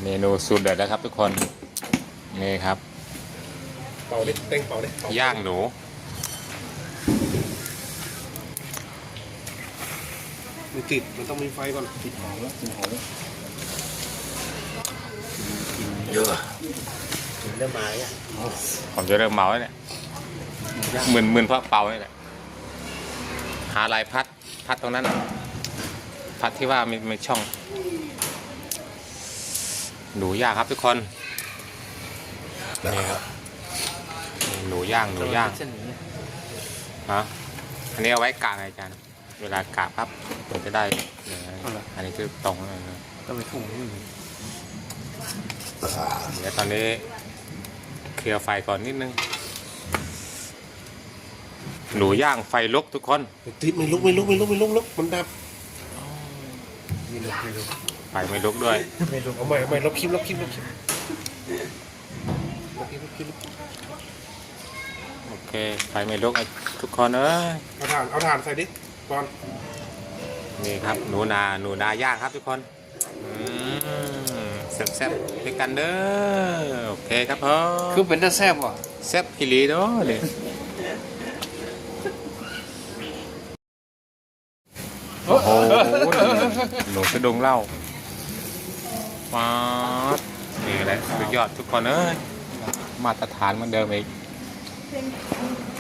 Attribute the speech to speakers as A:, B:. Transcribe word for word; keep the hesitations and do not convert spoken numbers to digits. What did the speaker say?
A: เมนูสูตรเด็ดนะครับทุกคนนี่ครับ
B: เป่าดิเต็งเป่าดิ
A: ย่างหนู
B: มันติดมันต้องมีไฟก่อนติดหอมแล้วติดหอมแล้วเยอะเริ่มมาแล้ว
A: ผมจะเริ่มเมาแล้วเนี่ยหมื่นหมื่นเพราะเป่านี่แหละหาลายพัดพัดตรงนั้นพัดที่ว่ามีมีช่องหนูย่างครับทุกคนนี่ครับหนูย่างหนูย่างฮะอันนี้เอาไว้กะไงอาจารย์เวลากะปั๊บมันจะได้อันนี้คือตรง
B: ต้องไปทุ่ง
A: เดี๋ยวตอนนี้เคลียร์ไฟก่อนนิดนึงหนูย่างไฟลุกทุกคน
B: ติดไม่ลุกไม่ลุกไม่ลุกไม่ลุกลุกมันดับไม่ลุกไม่ลุก
A: ไฟไม่ลุกด้วย
B: ไม่ลุกเอาใหม่เอาใหม่ลบคลิปลบคลิปลบคลิปลบคลิปลบคลิป
A: โอเคไฟไม่ลุกทุกคนเอ้ย
B: เอาถ่านเอาถ่านใส่ดิก่อน
A: นี่ครับหนูนาหนูนาย่างครับทุกคนแซ่บๆด้วยกันเด้อโอเคครับพ่อ
C: คือเป็นตาแซ่บว่ะ
A: แซ่บพิลีเนาะเลยโอ้โหหนูกระดงเหล้ามานี่แหละสุดยอดทุกคนเอ้ยมาตรฐานเหมือนเดิมอีก